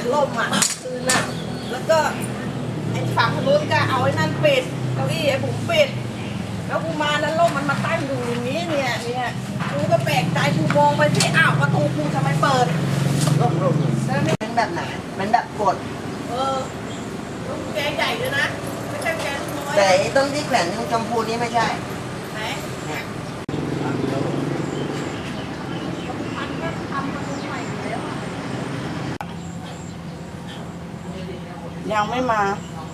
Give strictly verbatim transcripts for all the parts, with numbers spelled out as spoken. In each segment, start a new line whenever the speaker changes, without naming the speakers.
ล่มอ่ะคืนน่ะแล้วก็ไอ้ฝั่งนู้นก็เอาไอ้นั่นปิดเก้าอี้ไอ้ผมปิดแล้วกูมาแล้วล่มมันมาตั้งอยู่อย่างนี้เนี่ยเนี่ยกูก็แปลกใจกูมองไปที่อ้าวประตูกูทำไมเปิดล่มล่มแล้วนี่เป็นแบบไหนเป็นแบบกดเออลูกแกใหญ่เลยนะไม่ใช่แกลูกน้อยแต่ต้นที่แขวนตรงชมพูนี้ไม่ใช่ไหนเนี่ยยังไม่มา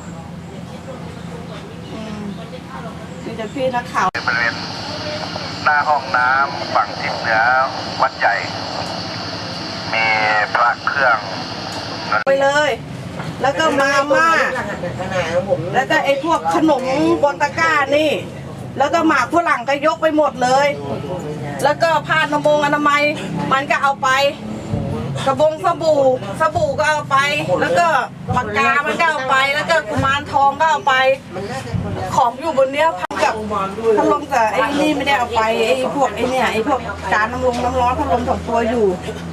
มีแต่พี่นักข่าว
บริเวณหน้าห้องน้ำฝั่งทิศเหนือวัดใหญ่มีพระเครื่อง
ไปเลย แล้วก็มาม่าแล้วก็ไอ้พวกขนมบนตะกร้านี่แล้วก็หมากฝรั่งก็ยกไปหมดเลยแล้วก็ผ้านมงอนามัยมันก็เอาไปกระบงสบู่สบู่ก็เอาไปแล้วก็ปากกามันก็เอาไปแล้วก็กุมารทองก็เอาไปของอยู่บนเนี้ยพันกับพัดลมกับไอ้นี่ไม่ได้เอาไปไอ้พวกไอ้เนี่ยไอ้พวกจานน้ำลงน้ำร้อนพัดลมสองตัวอยู่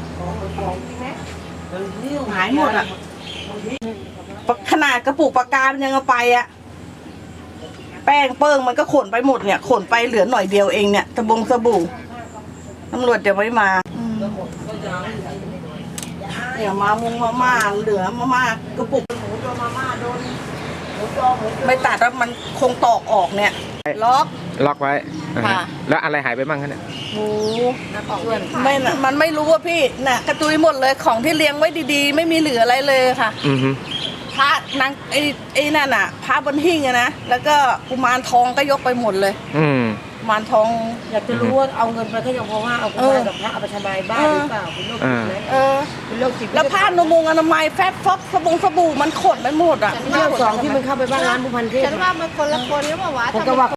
หายหมดอ่ะขนาดกระปุกปากกามันยังเอาไปอ่ะแป้งเปิ้งมันก็ขนไปหมดเนี่ยขนไปเหลือหน่อยเดียวเองเนี่ยตะบงสบู่ตำรวจเดี๋ยวไม่มาเดี๋ยวมามุงมาม่าเหลือมาม่ากระปุกหมูโดนมาม่าโดนไม่ตัดแล้วมันคงตอกออกเนี่ยล็อก
ล็อกไว้
ค่ะ
แล้วอะไรหายไปบ้างคะเนี่ย
หมูไม่มันไม่รู้ว่าพี่น่ะกระจุยหมดเลยของที่เลี้ยงไว้ดีๆไม่มีเหลืออะไรเลยค่ะ
อือฮึ
พระนางไอ้ไอ้นั่นน่ะพระบนหิ้งอะนะแล้วก็กุมารทองก็ยกไปหมดเลย
อืม
กุมารทอง
อยากจะรู้ว่าเอาเงินไปก็ยังเพราะว่าเอากุมารกับพระเอาไปทำลายบ้านหรือเปล่าเป็นโรคจิตไหม
เออ
เป็นโรคจิต
แล้วผ้านมงอนามัยแฟบฟอกสบงสบู่มันขนไปหมดอ่ะ
เรื่องสองที่มันเข้าไปบ้านร้านผู้พันเทพ
ฉันว่ามันคนละคนหรือเปล่าวะ
ผมก็ว่า